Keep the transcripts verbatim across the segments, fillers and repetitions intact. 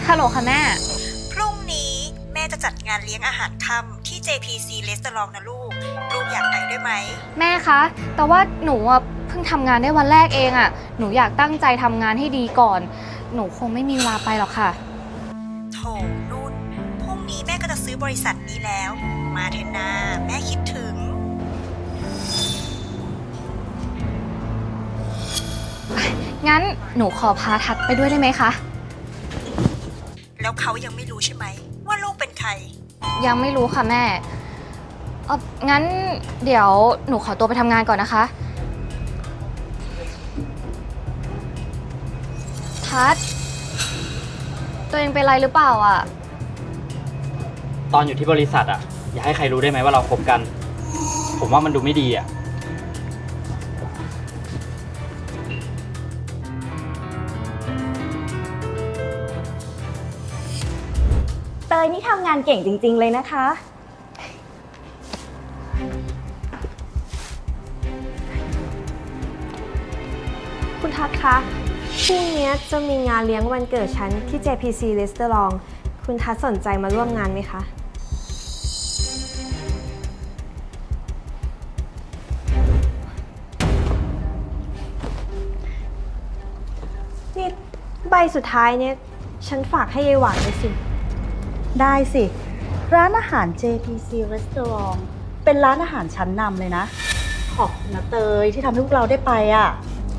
ฮัลโหลค่ะแม่พรุ่งนี้แม่จะจัดงานเลี้ยงอาหารค่ำที่ เจ พี ซี Restaurant นะลูก ลูกอยากไปด้วยไหมแม่คะแต่ว่าหนูอ่ะเพิ่งทำงานได้วันแรกเองอ่ะหนูอยากตั้งใจทำงานให้ดีก่อน หนูคงไม่มีเวลาไปหรอกค่ะโถนุ่นพรุ่งนี้แม่ก็จะซื้อบริษัทนี้แล้ว มาเถอะนาแม่คิดถึงงั้นหนูขอพาทัดไปด้วยได้ไหมคะแล้วเขายังไม่รู้ใช่ไหมว่าลูกเป็นใครยังไม่รู้ค่ะแม่เอองั้นเดี๋ยวหนูขอตัวไปทำงานก่อนนะคะทัดตัวเองเป็นไรหรือเปล่าอ่ะตอนอยู่ที่บริษัทอ่ะอย่าให้ใครรู้ได้ไหมว่าเราคบกันผมว่ามันดูไม่ดีอ่ะเตยนี่ทำงานเก่งจริงๆเลยนะคะคุณทัศน์คะพรุ่งนี้จะมีงานเลี้ยงวันเกิดฉันที่ เจ พี ซี Restaurant คุณทัศน์สนใจมาร่วมงานไหมคะนี่ใบสุดท้ายเนี่ยฉันฝากให้ยายหวานเลยสิได้สิร้านอาหาร เจ พี ซี Restaurant เป็นร้านอาหารชั้นนำเลยนะขอบคุณนะเตยที่ทำให้พวกเราได้ไปอ่ะ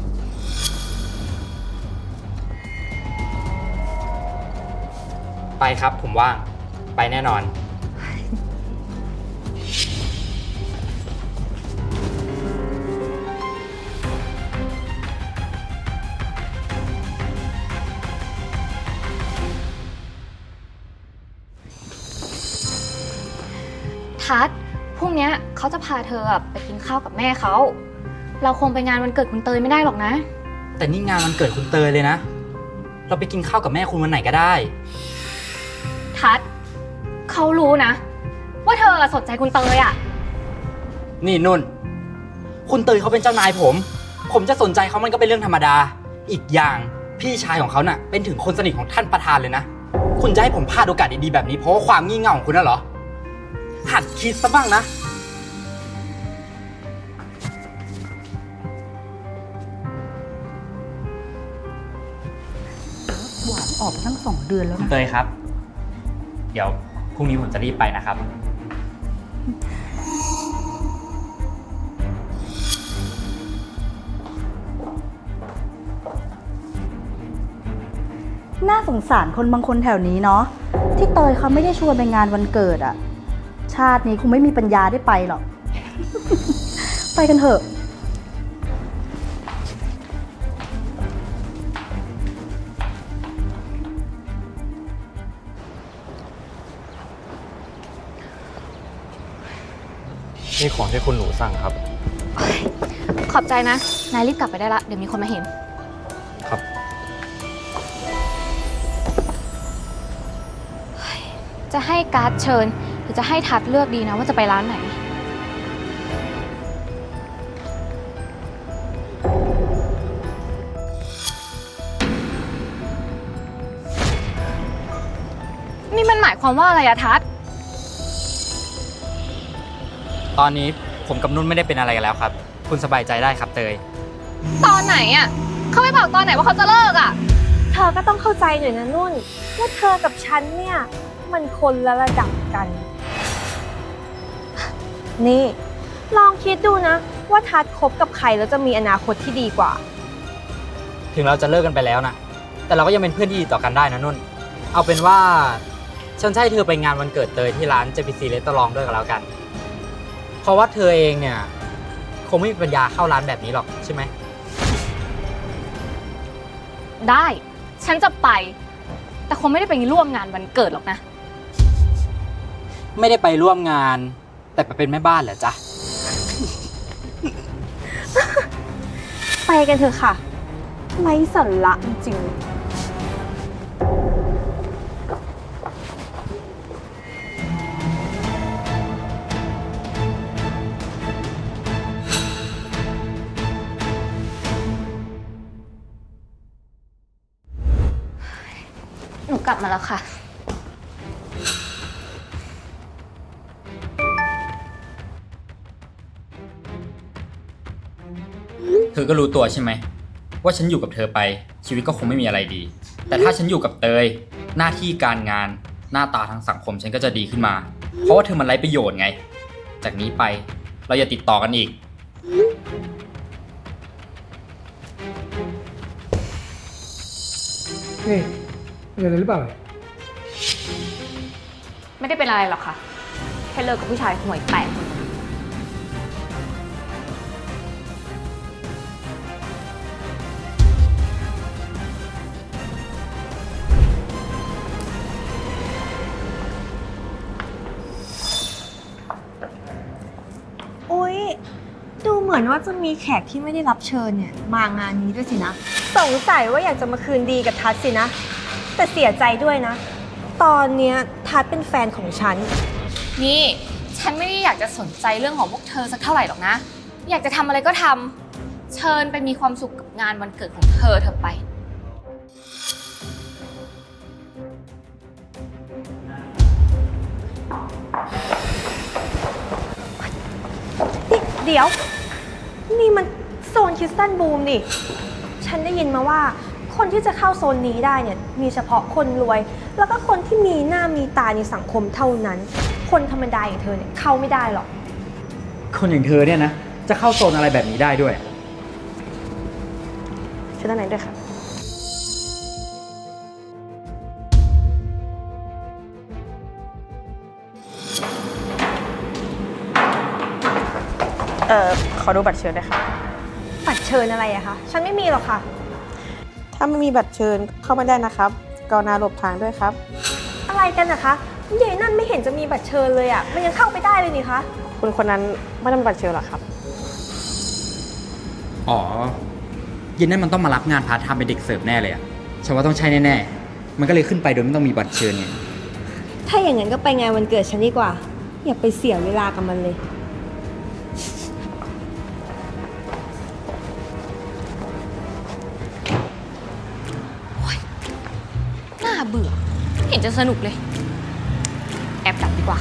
ไปครับผมว่างไปแน่นอนทัดพรุ่งนี้เขาจะพาเธอไปกินข้าวกับแม่เขาเราคงไปงานวันเกิดคุณเตยไม่ได้หรอกนะแต่นี่งานวันเกิดคุณเตยเลยนะเราไปกินข้าวกับแม่คุณวันไหนก็ได้ทัดเขารู้นะว่าเธอสนใจคุณเตยอ่ะนี่นุ่นคุณเตยเขาเป็นเจ้านายผมผมจะสนใจเขามันก็เป็นเรื่องธรรมดาอีกอย่างพี่ชายของเขาน่ะเป็นถึงคนสนิทของท่านประธานเลยนะคุณจะให้ผมพลาดโอกาสดีๆแบบนี้เพราะว่าความงี่เง่าของคุณน่ะเหรอหัดคิดซะบ้างนะหวานออกทั้งสองเดือนแล้วนะเตยครับเดี๋ยวพรุ่งนี้ผมจะรีบไปนะครับน่าสงสารคนบางคนแถวนี้เนาะที่เตยเขาไม่ได้ชวนไปงานวันเกิดอะชาตินี้คงไม่มีปัญญาได้ไปหรอก ไปกันเถอะนี่ของที่คุณหนูสั่งครับขอบใจนะนายรีบกลับไปได้ละเดี๋ยวมีคนมาเห็นครับจะให้การ์ดเชิญหรือจะให้ทัดเลือกดีนะว่าจะไปร้านไหนนี่มันหมายความว่าอะไรอะทัดตอนนี้ผมกับนุ่นไม่ได้เป็นอะไรกันแล้วครับคุณสบายใจได้ครับเตยตอนไหนอะเขาไม่บอกตอนไหนว่าเขาจะเลิกอะเธอก็ต้องเข้าใจหน่อยนะนุ่นว่าเธอกับฉันเนี่ยมันคนละระดับกัน นี่ลองคิดดูนะว่าทัดคบกับใครแล้วจะมีอนาคตที่ดีกว่าถึงเราจะเลิกกันไปแล้วนะแต่เราก็ยังเป็นเพื่อนที่ดีต่อกันได้นะนุ่นเอาเป็นว่าฉันจะให้เธอไปงานวันเกิดเตยที่ร้าน เจ พี ซี Restaurant ด้วยกันแล้วกันเพราะว่าเธอเองเนี่ยคงไม่มีปัญญาเข้าร้านแบบนี้หรอกใช่ไหมได้ฉันจะไปแต่คงไม่ได้ไปร่วมงานวันเกิดหรอกนะไม่ได้ไปร่วมงานแต่ไปเป็นแม่บ้านเหรอจ๊ะไปกันเถอะค่ะไร้สาระจริงกลับมาแล้วค่ะเธอก็รู้ตัวใช่ไหมว่าฉันอยู่กับเธอไปชีวิตก็คงไม่มีอะไรดี แต่ถ้าฉันอยู่กับเตยหน้าที่การงานหน้าตาทางสังคมฉันก็จะดีขึ้นมา เพราะว่าเธอมันไร้ประโยชน์ไง จากนี้ไปเราอย่าติดต่อกันอีกเฮ้ยเป็นอะไรหรือเปล่าไม่ได้เป็นอะไรหรอกค่ะ แค่เลิกกับผู้ชายห่วยแตกอุ๊ย ดูเหมือนว่าจะมีแขกที่ไม่ได้รับเชิญเนี่ยมางานนี้ด้วยสินะ สงสัยว่าอยากจะมาคืนดีกับทัศน์สินะ แต่เสียใจด้วยนะ ตอนเนี้ยทัศน์เป็นแฟนของฉันนี่ฉันไม่ได้อยากจะสนใจเรื่องของพวกเธอสักเท่าไหร่หรอกนะ อยากจะทำอะไรก็ทำเชิญไปมีความสุขกับงานวันเกิดของเธอเธอไปนี่เดี๋ยว นี่มันโซนคริสตัลบูมนี่ ฉันได้ยินมาว่าคนที่จะเข้าโซนนี้ได้เนี่ยมีเฉพาะคนรวย แล้วก็คนที่มีหน้ามีตาในสังคมเท่านั้น คนธรรมดาอย่างเธอเนี่ยเข้าไม่ได้หรอกคนอย่างเธอเนี่ยนะจะเข้าโซนอะไรแบบนี้ได้ด้วยเชิญด้านในด้วยค่ะเอ่อ ขอดูบัตรเชิญด้วยค่ะบัตรเชิญอะไรอะคะ ฉันไม่มีหรอกค่ะถ้าไม่มีบัตรเชิญเข้าไม่ได้นะครับกรุณาหลบทางด้วยครับอะไรกันนะคะยายนั่นไม่เห็นจะมีบัตรเชิญเลยอะมันยังเข้าไปได้เลยนี่คะคุณคนนั้นไม่ได้มีบัตรเชิญหรอครับอ๋อเย็นนั้นมันต้องมารับงานพาร์ทไทม์เป็นเด็กเสิร์ฟแน่เลยอะฉันว่าต้องใช่แน่ๆมันก็เลยขึ้นไปโดยไม่ต้องมีบัตรเชิญไงถ้าอย่างนั้นก็ไปงานวันเกิดฉันดีกว่า อย่าไปเสียเวลากับมันเลยน่าเบื่อไม่เห็นจะสนุกเลย แอบกลับดีกว่า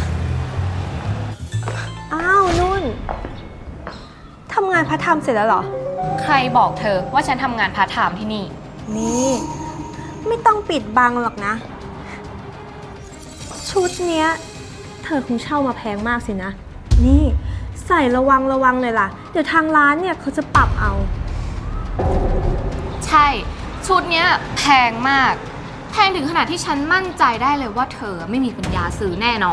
อ้าวนุ่นทำงานพาร์ทไทม์เสร็จแล้วเหรอใครบอกเธอว่าฉันทำงานพาร์ทไทม์ที่นี่นี่ ไม่ต้องปิดบังหรอกนะ ชุดเนี้ย เธอคงเช่ามาแพงมากสินะ นี่ใส่ระวังระวังเลยล่ะ เดี๋ยวทางร้านเนี่ยเขาจะปรับเอาใช่ ชุดเนี้ยแพงมาก แพงถึงขนาดที่ฉันมั่นใจได้เลยว่าเธอไม่มีปัญญาซื้อแน่นอน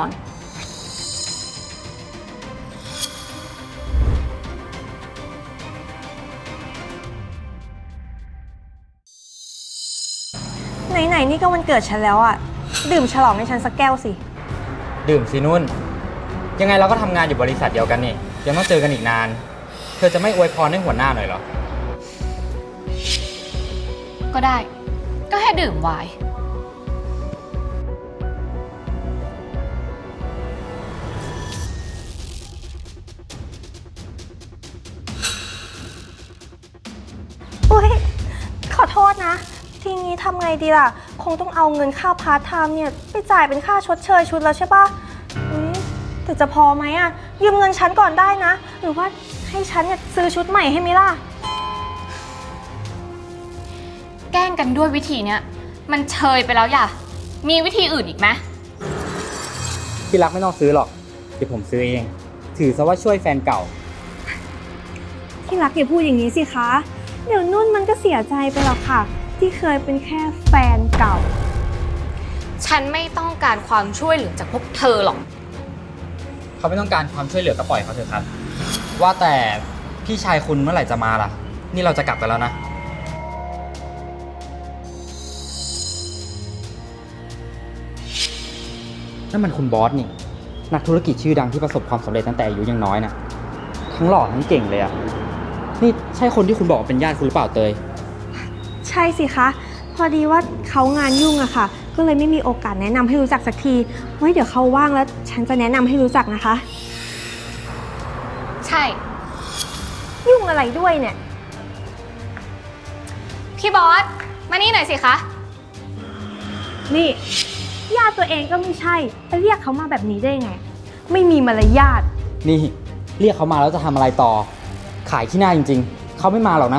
ไหนๆนี่ก็วันเกิดฉันแล้วอะดื่มฉลองให้ฉันสักแก้วสิดื่มสินุ่น ยังไงเราก็ทำงานอยู่บริษัทเดียวกันนี่ยังต้องเจอกันอีกนาน เธอจะไม่อวยพรให้หัวหน้าหน่อยเหรอก็ได้ ก็แค่ดื่มไวน์อุ้ยขอโทษนะ ทีนี้ทำไงดีล่ะ คงต้องเอาเงินค่าพาร์ทไทม์เนี่ยไปจ่ายเป็นค่าชดเชยชุดแล้วใช่ปะอุ๊ยแต่จะพอไหมอะยืมเงินฉันก่อนได้นะ หรือว่าให้ฉันเนี่ยซื้อชุดใหม่ให้มิล่ะแกล้งกันด้วยวิธีเนี้ยมันเชยไปแล้วอย่า มีวิธีอื่นอีกไหมที่รักไม่ต้องซื้อหรอก เดี๋ยวผมซื้อเอง ถือซะว่าช่วยแฟนเก่าที่รักอย่าพูดอย่างนี้สิคะ เดี๋ยวนุ่นมันก็เสียใจไปหรอกค่ะ ที่เคยเป็นแค่แฟนเก่าฉันไม่ต้องการความช่วยเหลือจากพวกเธอหรอกเขาไม่ต้องการความช่วยเหลือก็ปล่อยเขาเถอะครับ ว่าแต่พี่ชายคุณเมื่อไหร่จะมาล่ะ นี่เราจะกลับกันแล้วนะ นั่นมันคุณบอสนี่ นักธุรกิจชื่อดังที่ประสบความสำเร็จตั้งแต่อายุยังน้อยนะทั้งหล่อทั้งเก่งเลยอะนี่ใช่คนที่คุณบอกว่าเป็นญาติคุณหรือเปล่าเตยใช่สิคะ พอดีว่าเขางานยุ่งอะค่ะ ก็เลยไม่มีโอกาสแนะนำให้รู้จักสักที ไว้เดี๋ยวเขาว่างแล้ว ฉันจะแนะนำให้รู้จักนะคะใช่ยุ่งอะไรด้วยเนี่ยพี่บอส มานี่หน่อยสิคะนี่ญาติตัวเองก็ไม่ใช่ไปเรียกเขามาแบบนี้ได้ไง ไม่มีมารยาทนี่เรียกเขามาแล้วจะทำอะไรต่อ ขายขี้หน้าจริงๆ เขาไม่มาหรอกนะ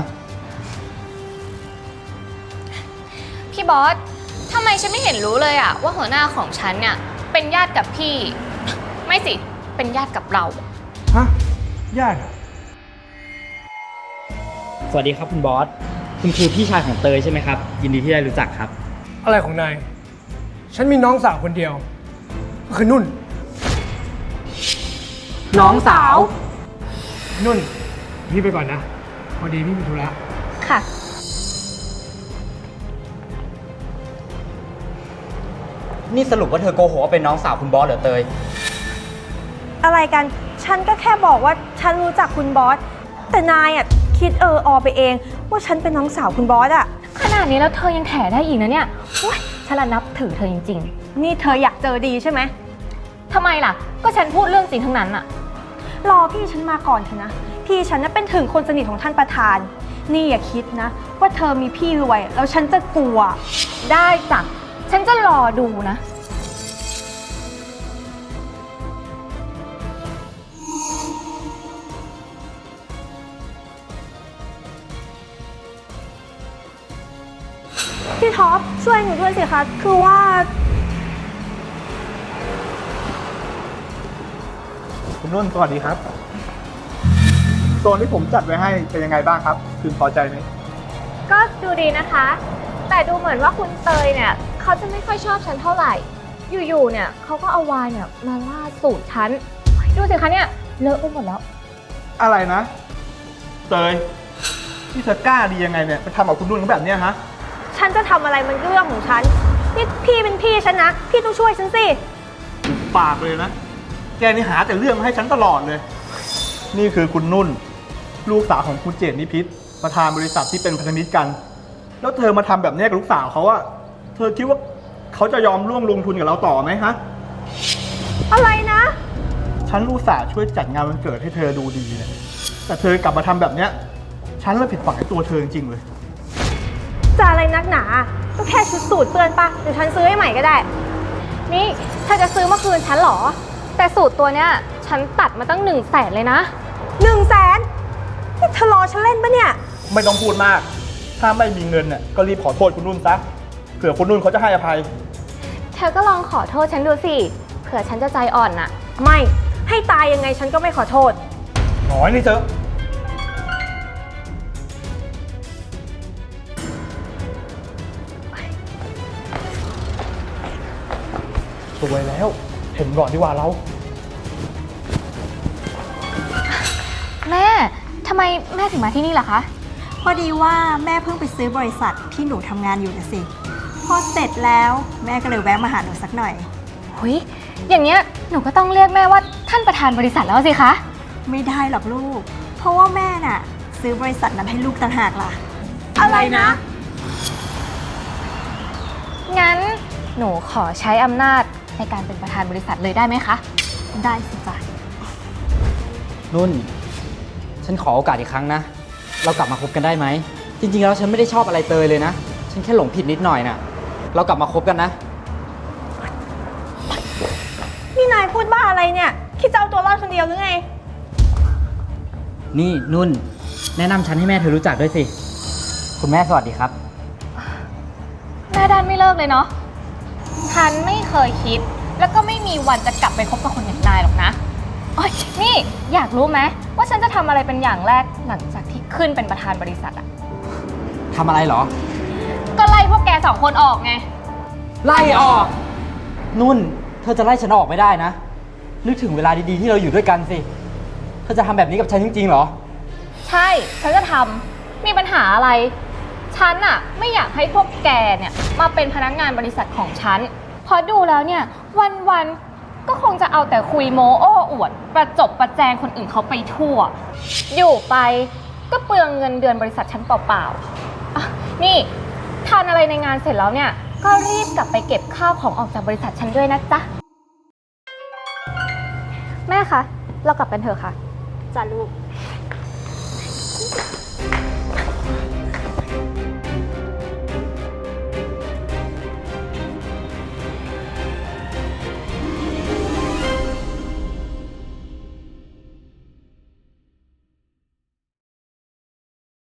พี่บอสทำไมฉันไม่เห็นรู้เลยอะว่าหัวหน้าของฉันเนี่ยเป็นญาติกับพี่ ไม่สิ เป็นญาติกับเราฮะ ญาติสวัสดีครับคุณบอส คุณคือพี่ชายของเตยใช่ไหมครับ ยินดีที่ได้รู้จักครับอะไรของนาย ฉันมีน้องสาวคนเดียว ก็คือนุ่นน้องสาวนุ่น พี่ไปก่อนนะ พอดีพี่มีธุระค่ะนี่สรุปว่าเธอโกหกว่าเป็นน้องสาวคุณบอสเหรอเตยอะไรกัน ฉันก็แค่บอกว่าฉันรู้จักคุณบอส แต่นายอ่ะคิดเอออไปเองว่าฉันเป็นน้องสาวคุณบอสอ่ะขนาดนี้แล้วเธอยังแถได้อีกนะเนี่ยโอ๊ยฉันละนับถือเธอจริงนี่เธออยากเจอดีใช่ไหมๆทำไมล่ะ ก็ฉันพูดเรื่องจริงทั้งนั้นอะรอพี่ฉันมาก่อนเถอะนะ พี่ฉันน่ะเป็นถึงคนสนิทของท่านประธาน นี่อย่าคิดนะ ว่าเธอมีพี่รวยแล้วฉันจะกลัวได้จ้ะ ฉันจะรอดูนะพี่ท็อปช่วยหนูด้วยสิคะ คือว่าคุณนุ่นสวัสดีครับโซนที่ผมจัดไว้ให้เป็นยังไงบ้างครับคุณพอใจไหมก็ดูดีนะคะ แต่ดูเหมือนว่าคุณเตยเนี่ยเขาจะไม่ค่อยชอบฉันเท่าไหร่ อยู่ๆเนี่ยเขาก็เอาวายเนี่ยมาล่าสูตรฉัน ดูสิคะเนี่ยเลอะไปหมดแล้วอะไรนะเตยที่เธอกล้าดียังไงเนี่ยไปทำกับคุณนุ่นเขาแบบเนี้ยฮะฉันจะทำอะไรมันก็เรื่องของฉัน นี่พี่เป็นพี่ฉันนะ พี่ต้องช่วยฉันสิปากเลยนะแกนี่หาแต่เรื่องมาให้ฉันตลอดเลย นี่คือคุณนุ่น ลูกสาวของคุณเจตนิพิษประธานบริษัทที่เป็นพันธมิตรกัน แล้วเธอมาทำแบบนี้กับลูกสาวเขาอะเธอคิดว่าเขาจะยอมร่วมลงทุนกับเราต่อไหมฮะอะไรนะฉันรู้สาห์ช่วยจัดงานวันเกิดให้เธอดูดีเนี่ยแต่เธอกลับมาทำแบบเนี้ยฉันเลยผิดหวังในตัวเธอจริงๆเลยจะอะไรนักหนา ก็แค่ชุดสูทเปื้อนปะเดี๋ยวฉันซื้อให้ใหม่ก็ได้นี่เธอจะซื้อเมื่อคืนฉันเหรอ แต่สูตรตัวเนี้ยฉันตัดมาตั้งหนึ่งแสนเลยนะหนึ่งแสนนี่เธอรอฉันเล่นปะเนี่ยไม่ต้องพูดมาก ถ้าไม่มีเงินเนี่ยก็รีบขอโทษคุณนุ่นซะ เผื่อคุณนุ่นเขาจะให้อภัยเธอก็ลองขอโทษฉันดูสิ เผื่อฉันจะใจอ่อนน่ะไม่ ให้ตายยังไงฉันก็ไม่ขอโทษน้อยนี่เจอสวยแล้ว เห็นก่อนดีกว่าเราแม่ทำไมแม่ถึงมาที่นี่ล่ะคะพอดีว่าแม่เพิ่งไปซื้อบริษัทที่หนูทำงานอยู่นะสิ พอเสร็จแล้วแม่ก็เลยแวะมาหาหนูสักหน่อยหุยอย่างเงี้ยหนูก็ต้องเรียกแม่ว่าท่านประธานบริษัทแล้วสิคะไม่ได้หรอกลูก เพราะว่าแม่น่ะ ซื้อบริษัทนั้นให้ลูกต่างหากล่ะอะไรนะงั้นหนูขอใช้อำนาจในการเป็นประธานบริษัทเลยได้ไหมคะได้สิจ้ะนุ่น ฉันขอโอกาสอีกครั้งนะ เรากลับมาคบกันได้ไหม จริงๆแล้วฉันไม่ได้ชอบอะไรเตยเลยนะ ฉันแค่หลงผิดนิดหน่อยน่ะ เรากลับมาคบกันนะนี่นายพูดบ้าอะไรเนี่ย คิดจะเอาตัวรอดคนเดียวหรือไงนี่นุ่น แนะนำฉันให้แม่เธอรู้จักด้วยสิ คุณแม่สวัสดีครับแม่ด้านไม่เลิกเลยเนาะ ฉันไม่เคยคิด แล้วก็ไม่มีวันจะกลับไปคบกับคนอย่างนายหรอกนะโอ๊ยนี่อยากรู้ไหมว่าฉันจะทำอะไรเป็นอย่างแรกหลังจากที่ขึ้นเป็นประธานบริษัทอะทำอะไรเหรอก็ไล่พวกแกสองคนออกไงไล่ออก นุ่น เธอจะไล่ฉันออกไม่ได้นะ นึกถึงเวลาดีๆที่เราอยู่ด้วยกันสิ เธอจะทำแบบนี้กับฉันจริงๆเหรอใช่ ฉันจะทำมีปัญหาอะไร ฉันอะไม่อยากให้พวกแกเนี่ยมาเป็นพนักงานบริษัทของฉัน เพราะดูแล้วเนี่ยวันๆ ก็คงจะเอาแต่คุยโม้โอ้อวด ประจบประแจงคนอื่นเขาไปทั่ว อยู่ไปก็เปลืองเงินเดือนบริษัทฉันเปล่าๆอ่ะนี่ทานอะไรในงานเสร็จแล้วเนี่ย ก็รีบกลับไปเก็บข้าวของออกจากบริษัทฉันด้วยนะจ๊ะ แม่คะ เรากลับกันเถอะค่ะจ้ะลูก